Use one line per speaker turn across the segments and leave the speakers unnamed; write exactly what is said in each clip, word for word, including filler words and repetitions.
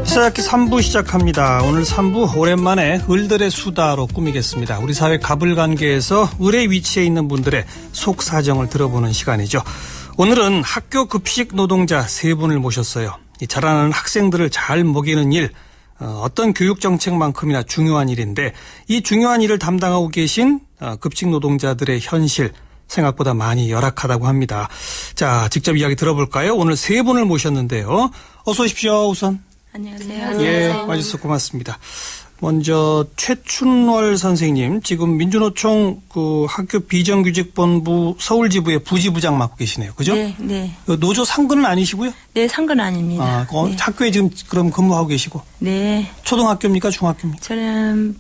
시작기 삼 부 시작합니다. 오늘 삼 부 오랜만에 을들의 수다로 꾸미겠습니다. 우리 사회 가불관계에서 을의 위치에 있는 분들의 속사정을 들어보는 시간이죠. 오늘은 학교 급식 노동자 세 분을 모셨어요. 이 자라나는 학생들을 잘 먹이는 일, 어떤 교육정책만큼이나 중요한 일인데 이 중요한 일을 담당하고 계신 급식 노동자들의 현실 생각보다 많이 열악하다고 합니다. 자, 직접 이야기 들어볼까요? 오늘 세 분을 모셨는데요. 어서 오십시오. 우선.
안녕하세요.
예, 와주셔서 고맙습니다. 먼저 최춘월 선생님, 지금 민주노총 그 학교 비정규직본부 서울지부의 부지부장 맡고 계시네요. 그죠?
네, 네.
노조 상근은 아니시고요?
네, 상근 아닙니다.
아, 어,
네.
학교에 지금 그럼 근무하고 계시고?
네.
초등학교입니까? 중학교입니까?
저는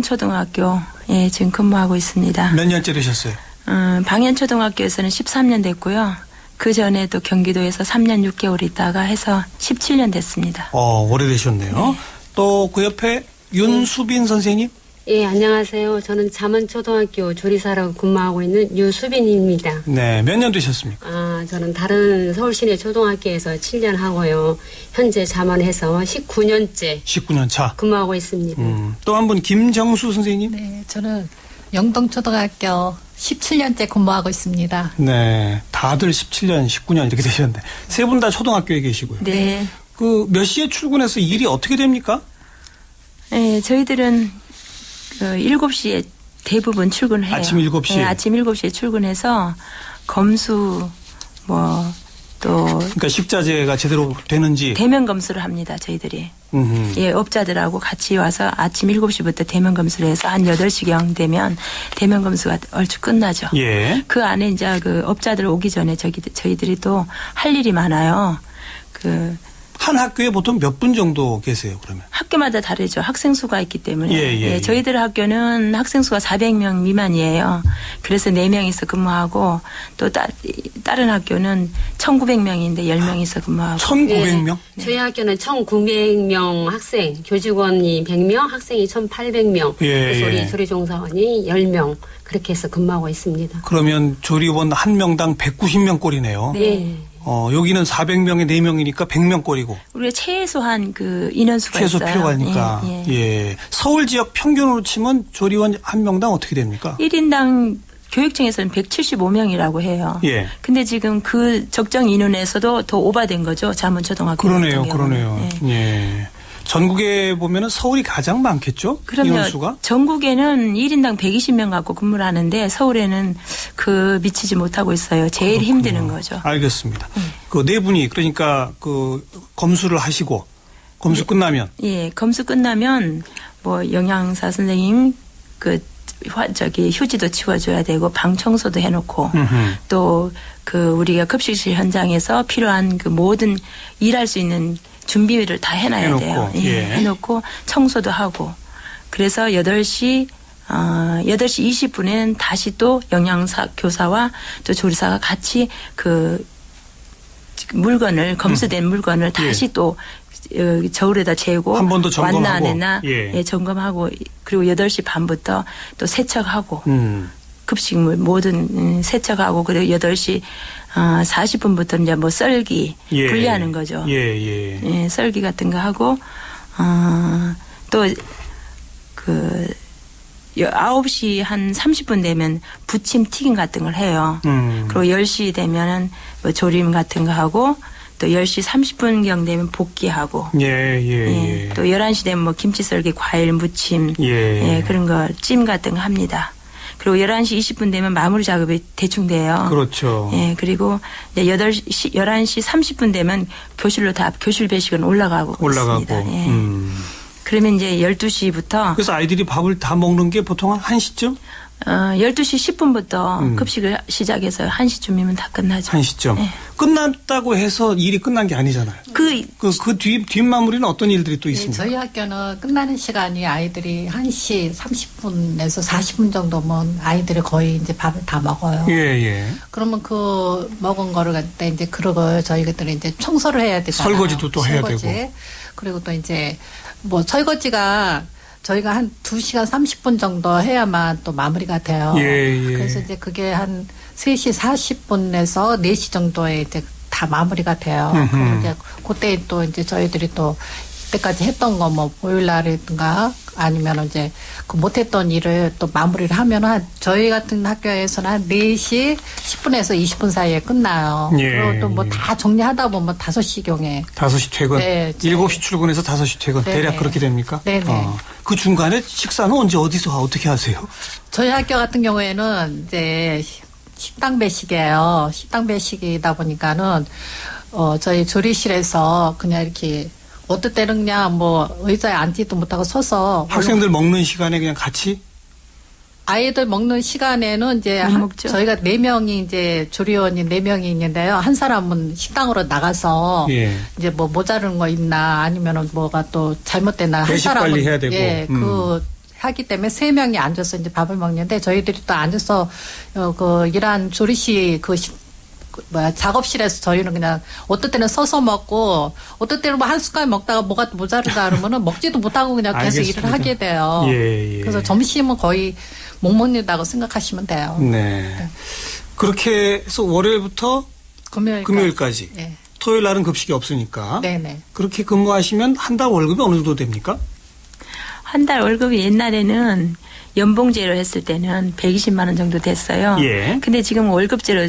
방현초등학교에 지금 근무하고 있습니다.
몇 년째 되셨어요?
음, 방현초등학교에서는 십삼 년 됐고요. 그 전에 또 경기도에서 삼 년 육 개월 있다가 해서 십칠 년 됐습니다.
어, 오래되셨네요.
네.
또 그 옆에 윤수빈 네. 선생님?
예, 안녕하세요. 저는 잠원초등학교 조리사로 근무하고 있는 유수빈입니다.
네, 몇 년 되셨습니까?
아, 저는 다른 서울시내 초등학교에서 칠 년 하고요. 현재 잠원에서 십구 년째
십구 년 차.
근무하고 있습니다.
음, 또 한 분 김정수 선생님?
네, 저는 영동초등학교 십칠 년째 근무하고 있습니다.
네, 다들 십칠 년, 십구 년 이렇게 되셨는데 세 분 다 초등학교에 계시고요.
네.
그 몇 시에 출근해서 일이 어떻게 됩니까?
네, 저희들은 그 일곱 시에 대부분 출근해요.
아침 일곱 시에?
네, 아침 일곱 시에 출근해서 검수 뭐 또
그러니까 식자재가 제대로 되는지
대면 검수를 합니다. 저희들이.
음흠.
예, 업자들하고 같이 와서 아침 일곱 시부터 대면 검수를 해서 한 여덟 시경 되면 대면 검수가 얼추 끝나죠.
예.
그 안에 이제 그 업자들 오기 전에 저기, 저희들이 또 할 일이 많아요. 그
한 학교에 보통 몇 분 정도 계세요, 그러면?
학교마다 다르죠. 학생 수가 있기 때문에.
예, 예, 예.
저희들 학교는 학생 수가 사백 명 미만이에요. 그래서 네 명이서 근무하고 또 따, 다른 학교는 천구백 명인데 열 명이서 근무하고.
천구백 명?
네. 저희 학교는 천구백 명 학생, 교직원이 백 명, 학생이 천팔백 명,
예,
그래서
예.
우리 조리종사원이 열 명 그렇게 해서 근무하고 있습니다.
그러면 조리원 한 명당 백구십 명 꼴이네요.
네.
어, 여기는 사백 명에 네 명이니까 백 명 꼴이고.
우리가 최소한 그 인원수가
최소
있어요.
필요하니까.
예, 예.
예. 서울 지역 평균으로 치면 조리원 한 명당 어떻게 됩니까?
일 인당 교육청에서는 백칠십오 명이라고 해요.
예.
근데 지금 그 적정 인원에서도 더 오바된 거죠. 잠원초등학교.
그러네요,
같은 경우는.
그러네요.
예.
예. 전국에 보면은 서울이 가장 많겠죠?
그럼요.
인원수가?
전국에는 일 인당 백이십 명 갖고 근무를 하는데 서울에는 그 미치지 못하고 있어요. 제일
그렇군요.
힘드는 거죠.
알겠습니다.
네.
그 네 분이 그러니까 그 검수를 하시고 검수 끝나면
예, 검수 끝나면 뭐 영양사 선생님 그 화, 저기 휴지도 치워줘야 되고 방 청소도 해놓고 또 그 우리가 급식실 현장에서 필요한 그 모든 일할 수 있는 준비를 다 해놔야
해놓고,
돼요. 예,
예.
해놓고 청소도 하고 그래서 여덟 시 어, 여덟 시 이십 분에는 다시 또 영양사 교사와 또 조리사가 같이 그 물건을 검수된 음. 물건을 다시 예. 또 어, 저울에다 재고
한 번 더 점검하고
왔나 안 했나
예.
예, 점검하고 그리고 여덟 시 반부터 또 세척하고
음.
급식물 모든 세척하고 그리고 여덟 시 사십 분부터 이제 뭐 썰기
예.
분리하는 거죠.
예, 예.
예, 썰기 같은 거 하고 어, 또 그 아홉 시 한 삼십 분 되면 부침 튀김 같은 걸 해요.
음.
그리고 열 시 되면은 뭐 조림 같은 거 하고 또 열 시 삼십 분경 되면 볶기하고
예, 예,
예.
예.
또 열한 시 되면 뭐 김치 썰기, 과일 무침
예.
예, 그런 거 찜 같은 거 합니다. 그리고 열한 시 이십 분 되면 마무리 작업이 대충 돼요.
그렇죠.
예, 그리고 이제 여덟 시, 열한 시 삼십 분 되면 교실로 다 교실 배식은 올라가고
올라가고.
있습니다. 예.
음.
그러면 이제 열두 시부터
그래서 아이들이 밥을 다 먹는 게 보통 한 한 시쯤?
어, 열두 시 십 분부터
음.
급식을 시작해서 한 시쯤이면 다 끝나죠.
한 시쯤.
예.
끝났다고 해서 일이 끝난 게 아니잖아요.
그,
그, 그 뒤, 뒷마무리는 어떤 일들이 또
네,
있습니까?
저희 학교는 끝나는 시간이 아이들이 한 시 삼십 분에서 사십 분 정도면 아이들이 거의 이제 밥을 다 먹어요.
예, 예.
그러면 그 먹은 거를 갖다 이제 그러고 저희들이 이제 청소를 해야 되잖아요.
설거지도 또 해야
설거지.
되고.
그리고 또 이제 뭐 설거지가 저희가 한 두 시간 삼십 분 정도 해야만 또 마무리가 돼요.
예, 예.
그래서 이제 그게 한 세 시 사십 분에서 네 시 정도에 이제 다 마무리가 돼요.
음흠.
그러게 그때 또 이제 저희들이 또 그때까지 했던 거 뭐 보일러라든가 아니면 이제 그 못했던 일을 또 마무리를 하면 한 저희 같은 학교에서는 한 네 시 십 분에서 이십 분 사이에 끝나요.
예.
그리고 또 뭐 다 정리하다 보면 다섯 시경에
다섯 시 퇴근,
네, 제-
일곱 시 출근해서 다섯 시 퇴근.
네네.
대략 그렇게 됩니까?
네네.
어. 그 중간에 식사는 언제 어디서 어떻게 하세요?
저희 학교 같은 경우에는 이제 시- 식당 배식이에요. 식당 배식이다 보니까는 어 저희 조리실에서 그냥 이렇게 어떨 때는 그냥 뭐 의자에 앉지도 못하고 서서
학생들 먹는 시간에 그냥 같이?
아이들 먹는 시간에는 이제
못
한-
먹죠.
저희가 네 명이 이제 조리원이 네 명이 있는데요. 한 사람은 식당으로 나가서
예.
이제 뭐 모자른 거 있나 아니면은 뭐가 또 잘못됐나 한
배식
사람은
관리해야 되고.
예,
음.
그 하기 때문에 세 명이 앉아서 이제 밥을 먹는데 저희들이 또 앉아서 어, 그 일한 조리실 그 시- 그 뭐야 작업실에서 저희는 그냥 어떨 때는 서서 먹고 어떨 때는 뭐 한 숟갈 먹다가 뭐가 모자르다 그러면은 먹지도 못하고 그냥 계속
알겠습니다.
일을 하게 돼요.
예, 예.
그래서 점심은 거의 못 먹는다고 생각하시면 돼요.
네. 그렇게 해서 월요일부터
금요일
금요일까지.
네.
토요일 날은 급식이 없으니까.
네네.
그렇게 근무하시면 한 달 월급이 어느 정도 됩니까?
한 달 월급이 옛날에는 연봉제로 했을 때는 백이십만 원 정도 됐어요.
예.
근데 지금 월급제로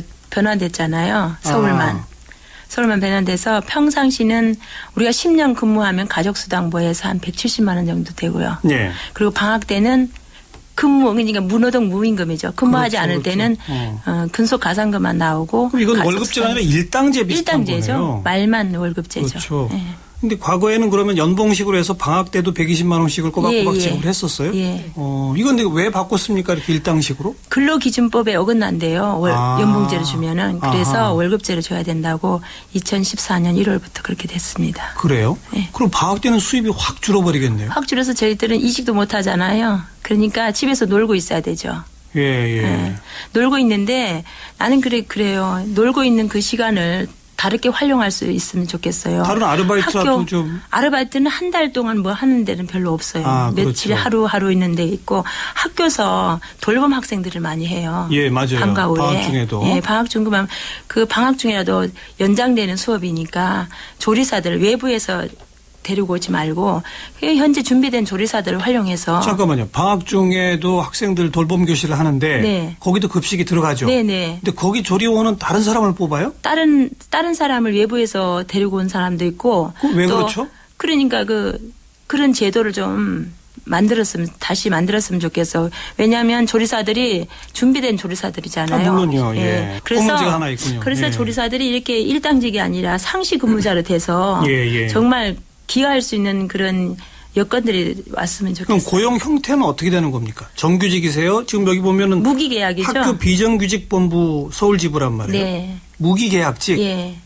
변환됐잖아요. 서울만.
아.
서울만 변환돼서 평상시는 우리가 십 년 근무하면 가족수당부에서 한 백칠십만 원 정도 되고요.
예.
그리고 방학 때는 근무, 그러니까 무노동 무임금이죠. 근무하지
그렇죠,
않을
그렇죠.
때는
어.
어, 근속 가산금만 나오고.
그럼 이건
가족수당-
월급제가 아니라 일당제 비슷한
일당제죠.
거네요.
말만 월급제죠.
그렇죠.
예.
근데 과거에는 그러면 연봉식으로 해서 방학 때도 백이십만 원씩을 꼬박꼬박
예, 예.
지급을 했었어요?
예.
어, 이건 근데 왜 바꿨습니까? 이렇게 일당식으로?
근로기준법에 어긋난대요. 월,
아.
연봉제로 주면은. 그래서
아하.
월급제로 줘야 된다고 이천십사 년 일월부터 그렇게 됐습니다.
그래요?
예.
그럼 방학 때는 수입이 확 줄어버리겠네요.
확 줄여서 저희들은 이직도 못 하잖아요. 그러니까 집에서 놀고 있어야 되죠.
예, 예.
예. 놀고 있는데 나는 그래 그래요. 놀고 있는 그 시간을 다르게 활용할 수 있으면 좋겠어요.
다른 아르바이트라도
학교
좀.
아르바이트는 한 달 동안 뭐 하는 데는 별로 없어요.
아,
며칠
그렇죠.
하루 하루 있는 데 있고 학교에서 돌봄 학생들을 많이 해요.
예, 맞아요.
방과 후에.
방학 중에도.
예, 방학 중 그만 그 방학 중이라도 연장되는 수업이니까 조리사들 외부에서 데리고 오지 말고 현재 준비된 조리사들을 활용해서
잠깐만요. 방학 중에도 학생들 돌봄 교실을 하는데
네.
거기도 급식이 들어가죠.
네네.
근데 거기 조리원은 다른 사람을 뽑아요?
다른 다른 사람을 외부에서 데리고 온 사람도 있고
그거 왜
또
그렇죠?
그러니까 그 그런 제도를 좀 만들었으면 다시 만들었으면 좋겠어. 왜냐하면 조리사들이 준비된 조리사들이잖아요.
아, 물론요. 예. 그 문제가 하나 있군요.
그래서
예.
조리사들이 이렇게 일당직이 아니라 상시 근무자로 돼서
예, 예.
정말 기여할 수 있는 그런 여건들이 왔으면
그럼
좋겠어요.
고용 형태는 어떻게 되는 겁니까? 정규직이세요? 지금 여기 보면은
무기계약이죠.
학교 비정규직본부 서울지부란 말이에요.
네.
무기계약직.
예.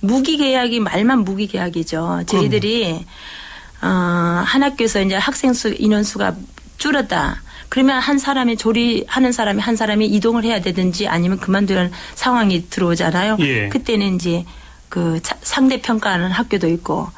무기계약이 말만 무기계약이죠. 저희들이 어, 한 학교에서 이제 학생 수 인원수가 줄었다. 그러면 한 사람이 조리하는 사람이 한 사람이 이동을 해야 되든지 아니면 그만두는 상황이 들어오잖아요.
예.
그때는 이제 그 차- 상대 평가하는 학교도 있고,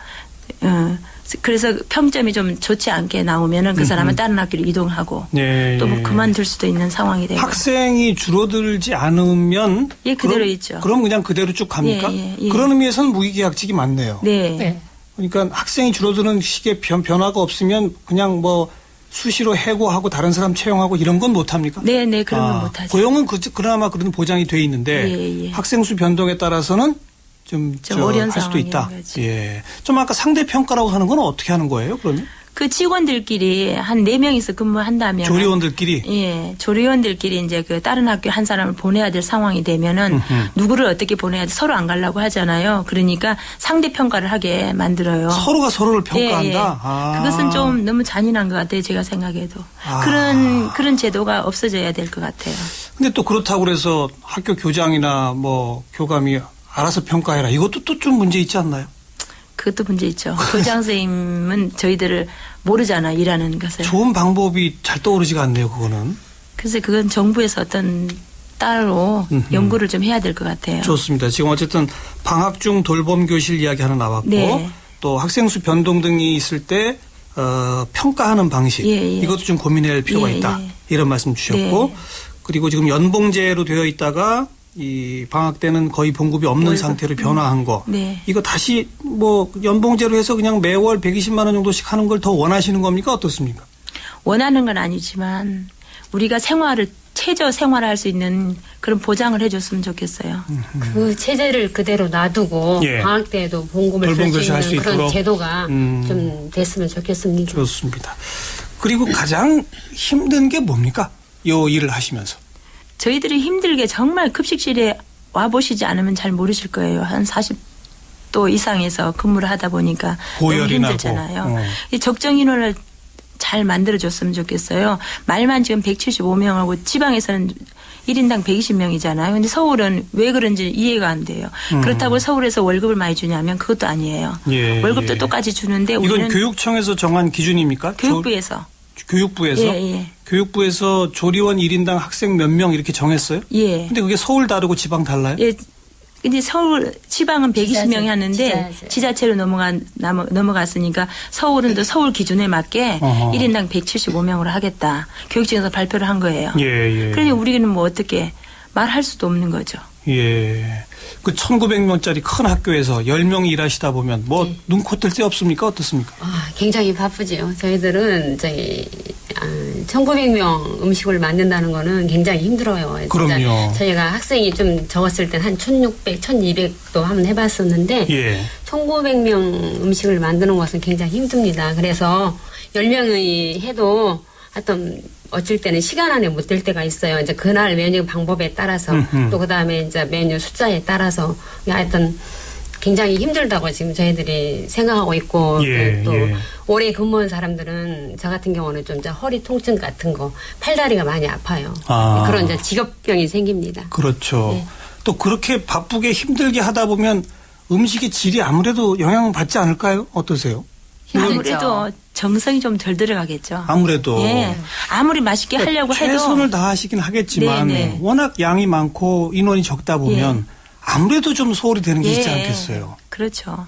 어, 그래서 평점이 좀 좋지 않게 나오면은 그 사람은 다른 학교로 이동하고
예,
또 뭐
예.
그만둘 수도 있는 상황이 되고.
학생이 줄어들지 않으면
예, 그대로
그럼,
있죠.
그럼 그냥 그대로 쭉 갑니까?
예, 예, 예.
그런 의미에서는 무기계약직이 많네요.
네.
네.
그러니까 학생이 줄어드는 식의 변, 변화가 없으면 그냥 뭐 수시로 해고하고 다른 사람 채용하고 이런 건 못합니까?
네, 네, 그런 건
아,
못하죠.
고용은 그, 그나마 그런 보장이 돼 있는데
예, 예.
학생 수 변동에 따라서는 좀,
좀
저,
어려운
할 수도 있다.
상황인 거지.
예. 좀 아까 상대 평가라고 하는 건 어떻게 하는 거예요? 그러면
그 직원들끼리 한 네 명이서 근무한다면
조리원들끼리
예, 조리원들끼리 이제 그 다른 학교 한 사람을 보내야 될 상황이 되면은
음흠.
누구를 어떻게 보내야 돼 서로 안 가려고 하잖아요. 그러니까 상대 평가를 하게 만들어요.
서로가 서로를 평가한다.
예, 예.
아.
그것은 좀 너무 잔인한 것 같아요. 제가 생각해도
아.
그런 그런 제도가 없어져야 될 것 같아요.
근데 또 그렇다고 그래서 학교 교장이나 뭐 교감이 알아서 평가해라. 이것도 또 좀 문제 있지 않나요?
그것도 문제 있죠. 교장 선생님은 저희들을 모르잖아 일하는 것을.
좋은 방법이 잘 떠오르지가 않네요. 그거는.
그래서 그건 정부에서 어떤 따로
음흠.
연구를 좀 해야 될 것 같아요.
좋습니다. 지금 어쨌든 방학 중 돌봄 교실 이야기 하나 나왔고
네.
또 학생 수 변동 등이 있을 때 어, 평가하는 방식
예, 예.
이것도 좀 고민해야 할 필요가
예,
있다.
예.
이런 말씀 주셨고
네.
그리고 지금 연봉제로 되어 있다가 이 방학 때는 거의 봉급이 없는
월급.
상태로 변화한 거.
네.
이거 다시 뭐 연봉제로 해서 그냥 매월 백이십만 원 정도씩 하는 걸 더 원하시는 겁니까? 어떻습니까?
원하는 건 아니지만 우리가 생활을 최저 생활할 수 있는 그런 보장을 해줬으면 좋겠어요.
그 체제를 그대로 놔두고
예.
방학 때에도 봉급을 쓸 수
돌봄교실 할
있는
수
그런
있도록.
제도가
음.
좀 됐으면 좋겠습니다.
좋습니다. 그리고 가장 힘든 게 뭡니까? 요 일을 하시면서.
저희들이 힘들게 정말 급식실에 와보시지 않으면 잘 모르실 거예요. 한 사십 도 이상에서 근무를 하다 보니까
고열이
너무
나고.
힘들잖아요.
어.
이 적정 인원을 잘 만들어줬으면 좋겠어요. 말만 지금 백칠십오 명하고 지방에서는 일 인당 백이십 명이잖아요. 근데 서울은 왜 그런지 이해가 안 돼요.
음.
그렇다고 서울에서 월급을 많이 주냐면 그것도 아니에요.
예,
월급도
예.
똑같이 주는데
이건
우리는
교육청에서 정한 기준입니까?
교육부에서.
조, 교육부에서?
예, 예.
교육부에서 조리원 일 인당 학생 몇 명 이렇게 정했어요?
예.
근데 그게 서울 다르고 지방 달라요?
예. 근데 서울 지방은 백이십 명이
지자체,
하는데
지자체.
지자체로 넘어가 넘어, 넘어갔으니까 서울은 또 서울 기준에 맞게
어허.
일 인당 백칠십오 명으로 하겠다. 교육청에서 발표를 한 거예요.
예, 예.
그러니 우리는 뭐 어떻게 말할 수도 없는 거죠.
예. 그 천구백 명짜리 큰 학교에서 열 명이 일하시다 보면 뭐
네.
눈코 뜰 데 없습니까? 어떻습니까?
아, 굉장히 바쁘지요. 저희들은 저희 아, 천구백 명 음식을 만든다는 거는 굉장히 힘들어요. 진짜
그럼요.
저희가 학생이 좀 적었을 땐 한 천육백, 천이백도 한번 해봤었는데
예.
천구백 명 음식을 만드는 것은 굉장히 힘듭니다. 그래서 열 명이 해도 하여튼 어쩔 때는 시간 안에 못 될 때가 있어요. 이제 그날 메뉴 방법에 따라서
음흠.
또 그다음에 이제 메뉴 숫자에 따라서 하여튼 굉장히 힘들다고 지금 저희들이 생각하고 있고
예,
또
예.
오래 근무한 사람들은 저 같은 경우는 좀 이제 허리 통증 같은 거, 팔다리가 많이 아파요.
아.
그런 이제 직업병이 생깁니다.
그렇죠.
네.
또 그렇게 바쁘게 힘들게 하다 보면 음식의 질이 아무래도 영향을 받지 않을까요? 어떠세요?
힘들죠.
아무래도 정성이 좀 덜 들어가겠죠.
아무래도
예. 아무리 맛있게 하려고 해도
최선을 다하시긴 하겠지만
네, 네.
워낙 양이 많고 인원이 적다 보면 아무래도 좀 소홀히 되는 게
예.
있지 않겠어요.
그렇죠.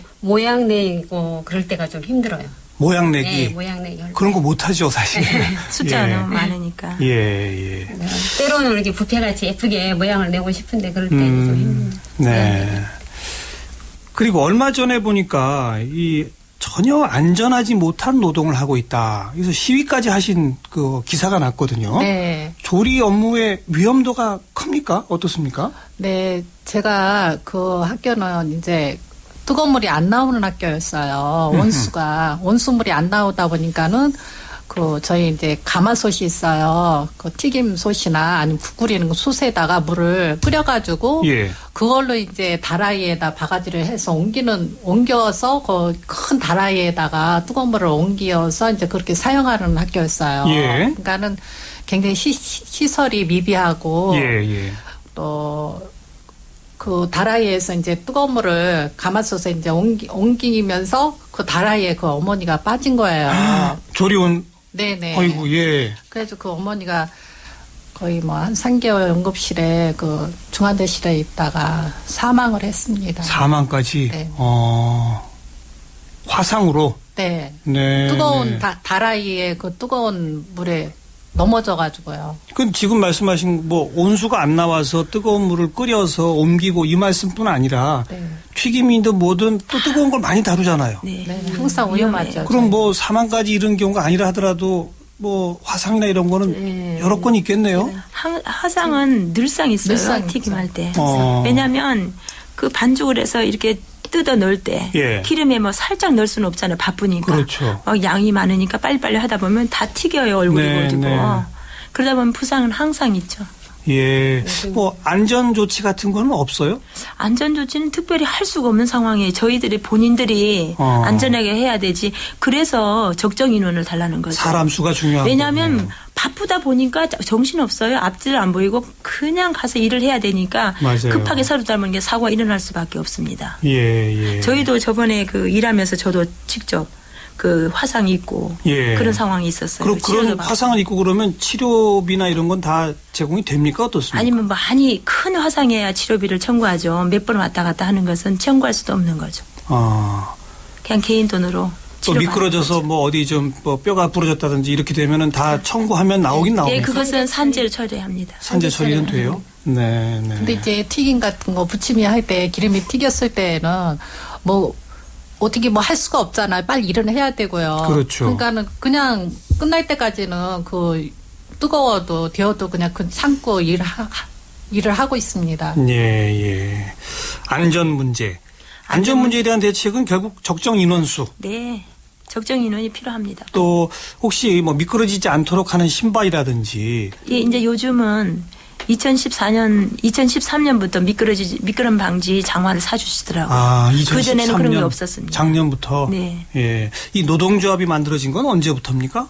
모양 내고 그럴 때가 좀 힘들어요.
모양 내기
네, 모양 내기. 할
그런 거 못하죠 사실.
숫자가
예.
너무 많으니까.
예, 예.
때. 때로는 이렇게 뷔페같이 예쁘게 모양을 내고 싶은데 그럴 때는 좀 힘듭니다.
네. 그리고 얼마 전에 보니까 이 전혀 안전하지 못한 노동을 하고 있다. 그래서 시위까지 하신 그 기사가 났거든요.
네.
조리 업무의 위험도가 큽니까? 어떻습니까?
네, 제가 그 학교는 이제 뜨거운 물이 안 나오는 학교였어요. 온수가 온수물이 안 나오다 보니까는 그 저희 이제 가마솥이 있어요. 그 튀김솥이나 아니면 국 끓이는 솥에다가 물을 끓여가지고
예.
그걸로 이제 다라이에다 바가지를 해서 옮기는 옮겨서 그 큰 다라이에다가 뜨거운 물을 옮겨서 이제 그렇게 사용하는 학교였어요.
예.
그러니까는 굉장히 시, 시설이 미비하고
예, 예.
또 그 다라이에서 이제 뜨거운 물을 가마솥에 이제 옮기, 옮기면서 그 다라이에 그 어머니가 빠진 거예요.
조리원.
네네.
아이고, 예.
그래서 그 어머니가 거의 뭐 한 삼 개월 응급실에 그 중환대실에 있다가 사망을 했습니다.
사망까지.
네.
어. 화상으로.
네.
네.
뜨거운
네.
다, 다라이에 그 뜨거운 물에 넘어져가지고요.
그 지금 말씀하신 뭐 온수가 안 나와서 뜨거운 물을 끓여서 옮기고 이 말씀뿐 아니라
네.
튀김이든 뭐든 또 뜨거운 걸 많이 다루잖아요.
네.
네, 항상 위험하죠.
그럼 뭐 사망까지 이런 경우가 아니라 하더라도 뭐 화상이나 이런 거는
네.
여러 건 있겠네요.
하- 화상은 늘상 있어요.
늘상
튀김할 때.
어.
왜냐하면 그 반죽을 해서 이렇게 뜯어 넣을 때
예.
기름에 뭐 살짝 넣을 수는 없잖아요. 바쁘니까.
그렇죠.
막 양이 많으니까 빨리빨리 하다 보면 다 튀겨요. 얼굴이
네,
보이고.
네.
그러다 보면 부상은 항상 있죠.
예. 뭐 안전 조치 같은 거는 없어요?
안전조치는 특별히 할 수가 없는 상황에 저희들이 본인들이
어.
안전하게 해야 되지. 그래서 적정 인원을 달라는 거죠.
사람 수가 중요한
왜냐하면
거군요.
바쁘다 보니까 정신없어요. 앞질 안 보이고 그냥 가서 일을 해야 되니까
맞아요.
급하게 서로 닮은 게 사고가 일어날 수밖에 없습니다.
예, 예.
저희도 저번에 그 일하면서 저도 직접 그 화상 입고
예.
그런 상황이 있었어요.
그럼
치료도
그런
받고.
화상을 입고 그러면 치료비나 이런 건 다 제공이 됩니까? 어떻습니까?
아니면 많이 큰 화상이어야 치료비를 청구하죠. 몇 번 왔다 갔다 하는 것은 청구할 수도 없는 거죠.
아.
그냥 개인 돈으로
또 미끄러져서 뭐 어디 좀 뭐 뼈가 부러졌다든지 이렇게 되면은 다 청구하면 나오긴 나옵니다.
예, 그것은 산재를 처리합니다.
산재 처리는 돼요? 네, 네.
근데 이제 튀김 같은 거 부침이 할 때 기름이 튀겼을 때는 뭐 어떻게 뭐 할 수가 없잖아요. 빨리 일은 해야 되고요.
그렇죠.
그러니까는 그냥 끝날 때까지는 그 뜨거워도 되어도 그냥 그 참고 일 하, 일을 하고 있습니다.
예, 예. 안전 문제. 안전 문제에 대한 대책은 결국 적정 인원수.
네. 적정 인원이 필요합니다.
또 혹시 뭐 미끄러지지 않도록 하는 신발이라든지.
예, 이제 요즘은 이천십사 년, 이천십삼 년부터 미끄러지, 미끄럼 방지 장화를 사주시더라고요.
아,
그전에는 그런 게 없었습니다.
작년부터.
네.
예. 이 노동조합이 만들어진 건 언제부터입니까?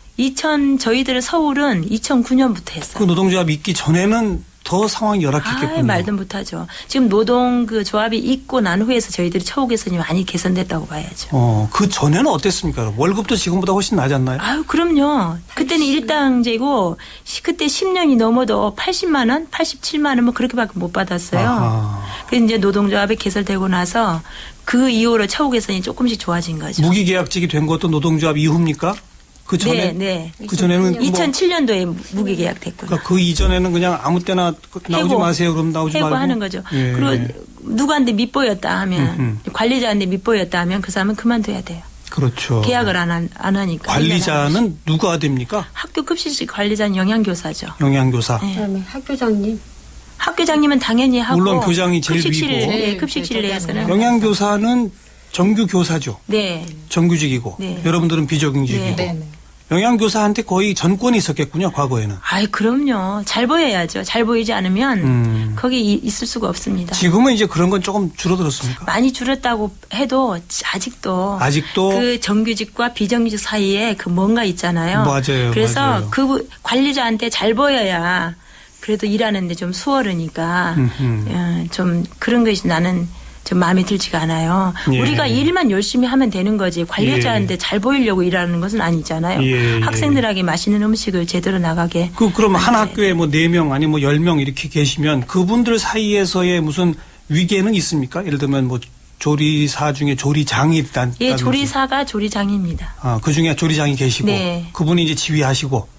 이천 저희들 서울은 이천구 년부터
그
했어요.
노동조합이 있기 전에는 더 상황이 열악했겠군요.
아, 말도 못하죠. 지금 노동 그 조합이 있고 난 후에서 저희들이 처우 개선이 많이 개선됐다고 봐야죠.
어, 그 전에는 어땠습니까? 월급도 지금보다 훨씬 낮지 않나요?
아유, 그럼요. 그때는 일당제고 시- 그때 십 년이 넘어도 팔십만 원, 팔십칠만 원 뭐 그렇게밖에 못 받았어요.
아하.
그래서 이제 노동조합이 개설되고 나서 그 이후로 처우 개선이 조금씩 좋아진 거죠.
무기계약직이 된 것도 노동조합 이후입니까? 그 전에
네, 네.
그 전에는 뭐
이천칠 년도에 무기계약됐고요.
그러니까 그 이전에는 그냥 아무 때나 나오지
해고.
마세요. 그럼 나오지 말고
해고하는 거죠.
예.
그리고 누구한테 밑보였다 하면
음흠.
관리자한테 밑보였다 하면 그 사람은 그만둬야 돼요.
그렇죠.
계약을 안, 하, 안 하니까.
관리자는 누가 됩니까?
학교 급식실 관리자는 영양교사죠.
영양교사.
네.
그다음에 학교장님.
학교장님은 당연히 하고
물론 교장이 제일
급식실,
위고.
네,
제일
급식실
제일
내에서는
영양교사는 정규 교사죠.
네.
정규직이고
네.
여러분들은 비정규직이고.
네.
네, 네.
영양교사한테 거의 전권이 있었겠군요. 과거에는.
아이 그럼요. 잘 보여야죠. 잘 보이지 않으면
음.
거기 이- 있을 수가 없습니다.
지금은 이제 그런 건 조금 줄어들었습니까?
많이 줄었다고 해도 아직도
아직도
그 정규직과 비정규직 사이에 그 뭔가 있잖아요.
맞아요,
그래서
맞아요.
그 관리자한테 잘 보여야 그래도 일하는데 좀 수월하니까
음흠.
어, 좀 그런 것이 나는 좀 마음에 들지가 않아요.
예.
우리가 일만 열심히 하면 되는 거지 관리자한테
예.
잘 보이려고 일하는 것은 아니잖아요.
예, 예.
학생들에게 맛있는 음식을 제대로 나가게.
그 그럼 한
만들어야
학교에 뭐 네 명 아니 뭐 열 명 이렇게 계시면 그분들 사이에서의 무슨 위계는 있습니까? 예를 들면 뭐 조리사 중에 조리장이 있다.
예, 조리사가 조리장입니다.
아, 그 중에 조리장이 계시고
네.
그분이 이제 지휘하시고.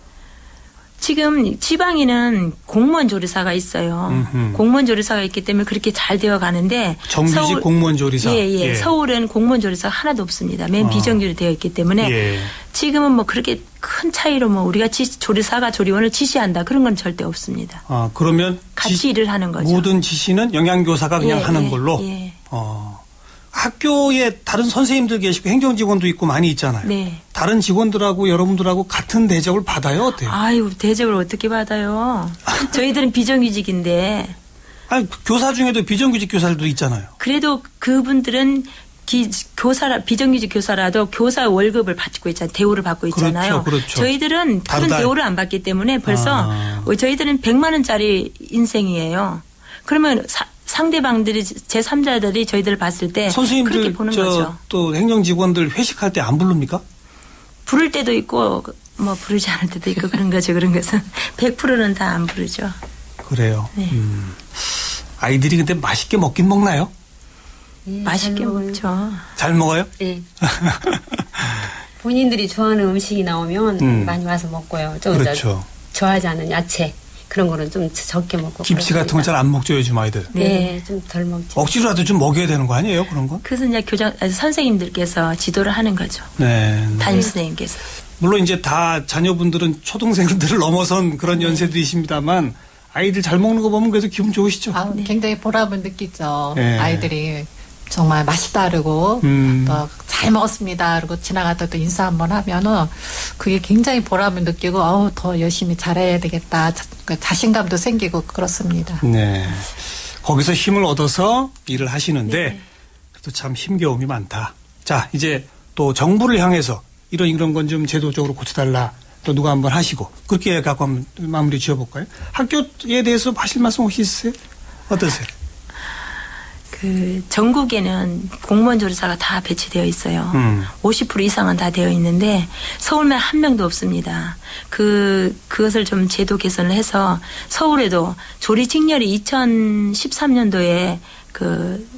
지금 지방에는 공무원 조리사가 있어요.
음흠.
공무원 조리사가 있기 때문에 그렇게 잘 되어 가는데
정규직
서울-
공무원 조리사.
예, 예,
예.
서울은 공무원 조리사가 하나도 없습니다. 맨
아.
비정규로 되어 있기 때문에
예.
지금은 뭐 그렇게 큰 차이로 뭐 우리가 지, 조리사가 조리원을 지시한다 그런 건 절대 없습니다.
아, 그러면
같이
지-
일을 하는 거죠.
모든 지시는 영양교사가 그냥
예,
하는
예,
걸로.
예.
어. 학교에 다른 선생님들 계시고 행정 직원도 있고 많이 있잖아요.
네.
다른 직원들하고 여러분들하고 같은 대접을 받아요, 어때요?
아유 대접을 어떻게 받아요? 저희들은 비정규직인데
아니, 교사 중에도 비정규직 교사들도 있잖아요.
그래도 그분들은 기, 교사라 비정규직 교사라도 교사 월급을 받고 있잖아요. 대우를 받고 있잖아요.
그렇죠, 그렇죠.
저희들은 그런
다르다.
대우를 안 받기 때문에 벌써
아.
어, 저희들은 백만 원짜리 인생이에요. 그러면 사, 상대방들이 제삼자들이 저희들을 봤을 때 그렇게
선생님들
보는
저
거죠.
또 행정 직원들 회식할 때 안 부릅니까?
부를 때도 있고 뭐 부르지 않을 때도 있고 그런 거죠. 그런 것은 백 퍼센트는 다 안 부르죠.
그래요.
네.
음. 아이들이 근데 맛있게 먹긴 먹나요?
예,
맛있게
잘 먹어요.
먹죠.
잘 먹어요?
예. 본인들이 좋아하는 음식이 나오면
음.
많이 와서 먹고요. 좀
그렇죠.
저, 좋아하지 않은 야채 그런 거는 좀 적게 먹고.
김치 같은 건 잘 안 먹죠, 요즘 아이들.
네, 좀 덜 먹죠.
억지로라도 좀 먹여야 되는 거 아니에요, 그런 건?
그래서 이제 교장 아니, 선생님들께서 지도를 하는 거죠.
네.
담임 선생님께서.
물론 이제 다 자녀분들은 초등생들을 넘어선 그런
네.
연세들이십니다만 아이들 잘 먹는 거 보면 그래도 기분 좋으시죠?
아, 굉장히 보람을 느끼죠.
네.
아이들이 정말 맛있다 그러고
음.
또 잘 먹었습니다 그러고 지나가다 또 인사 한번 하면은 그게 굉장히 보람을 느끼고 어우 더 열심히 잘해야 되겠다 자, 그 자신감도 생기고 그렇습니다.
네. 거기서 힘을 얻어서 일을 하시는데
네.
그래도 참 힘겨움이 많다. 자, 이제 또 정부를 향해서 이런 이런 건 좀 제도적으로 고쳐달라. 또 누가 한번 하시고 그렇게 갖고 한번 마무리 지어볼까요? 학교에 대해서 하실 말씀 혹시 있으세요? 어떠세요?
그 전국에는 공무원 조리사가 다 배치되어 있어요.
음.
오십 퍼센트 이상은 다 되어 있는데 서울만 한 명도 없습니다. 그 그것을 좀 제도 개선을 해서 서울에도 조리 직렬이 이천십삼 년도에 그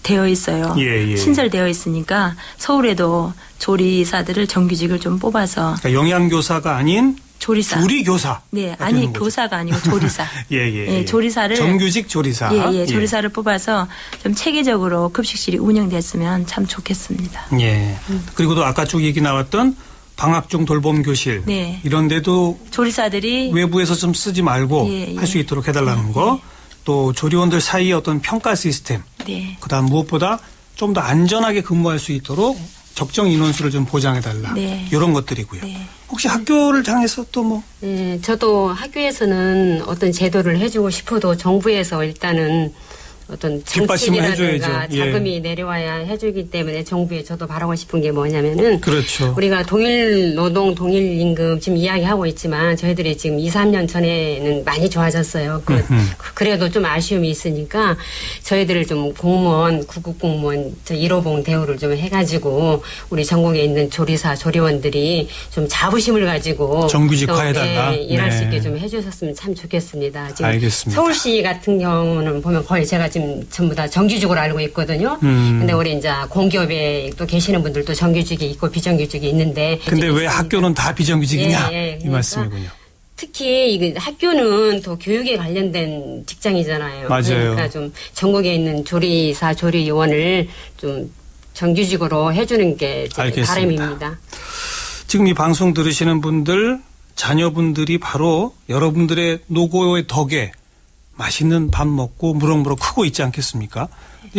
되어 있어요.
예, 예.
신설되어 있으니까 서울에도 조리사들을 정규직을 좀 뽑아서
그러니까 영양교사가 아닌
조리사.
조리교사.
네, 아니 교사가 아니고 조리사.
예, 예,
예,
예.
조리사를
정규직 조리사.
예, 예, 조리사를 뽑아서 좀 체계적으로 급식실이 운영됐으면 참 좋겠습니다.
예. 그리고 또 아까 쭉 얘기 나왔던 방학 중 돌봄 교실.
네.
이런 데도
조리사들이
외부에서 좀 쓰지 말고
예, 예.
할 수 있도록 해달라는
네,
거. 또 조리원들 사이의 어떤 평가 시스템.
네.
그다음 무엇보다 좀 더 안전하게 근무할 수 있도록 적정 인원수를 좀 보장해달라.
네.
이런 것들이고요.
네.
혹시 학교를 향해서 또 뭐
네, 저도 학교에서는 어떤 제도를 해주고 싶어도 정부에서 일단은 어떤
뒷받침을
정책이라든가
해줘야죠. 예.
자금이 내려와야 해주기 때문에 정부에 저도 바라고 싶은 게 뭐냐면은
그렇죠.
우리가 동일 노동 동일 임금 지금 이야기하고 있지만 저희들이 지금 이, 삼 년 전에는 많이 좋아졌어요. 그, 그래도 좀 아쉬움이 있으니까 저희들을 좀 공무원 구급 공무원 저 일호봉 대우를 좀 해가지고 우리 전국에 있는 조리사 조리원들이 좀 자부심을 가지고
정규직화해달라.
또, 예, 일할
네.
수 있게 좀 해주셨으면 참 좋겠습니다. 지금
알겠습니다.
서울시 같은 경우는 보면 거의 제가 지금 전부 다 정규직으로 알고 있거든요.
음.
근데 우리 이제 공기업에 또 계시는 분들도 정규직이 있고 비정규직이 있는데.
근데 왜 학교는 다 비정규직이냐?
예, 예.
이
그러니까
말씀이군요.
특히 이거 학교는 또 교육에 관련된 직장이잖아요.
맞아요.
그러니까 좀 전국에 있는 조리사, 조리요원을 좀 정규직으로 해주는 게 제
알겠습니다.
바람입니다.
지금 이 방송 들으시는 분들, 자녀분들이 바로 여러분들의 노고의 덕에 맛있는 밥 먹고 무럭무럭 크고 있지 않겠습니까?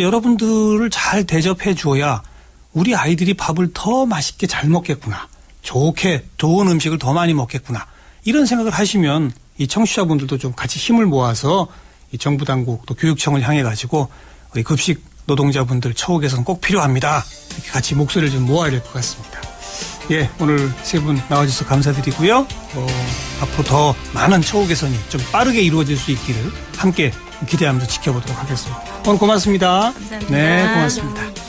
여러분들을 잘 대접해 줘야 우리 아이들이 밥을 더 맛있게 잘 먹겠구나. 좋게 좋은 음식을 더 많이 먹겠구나. 이런 생각을 하시면 이 청취자분들도 좀 같이 힘을 모아서 이 정부 당국 또 교육청을 향해 가지고 우리 급식 노동자분들 처우 개선 꼭 필요합니다. 이렇게 같이 목소리를 좀 모아야 될 것 같습니다. 예, 오늘 세 분 나와주셔서 감사드리고요. 어, 앞으로 더 많은 처우 개선이 좀 빠르게 이루어질 수 있기를 함께 기대하면서 지켜보도록 하겠습니다. 오늘 고맙습니다.
감사합니다.
네, 고맙습니다.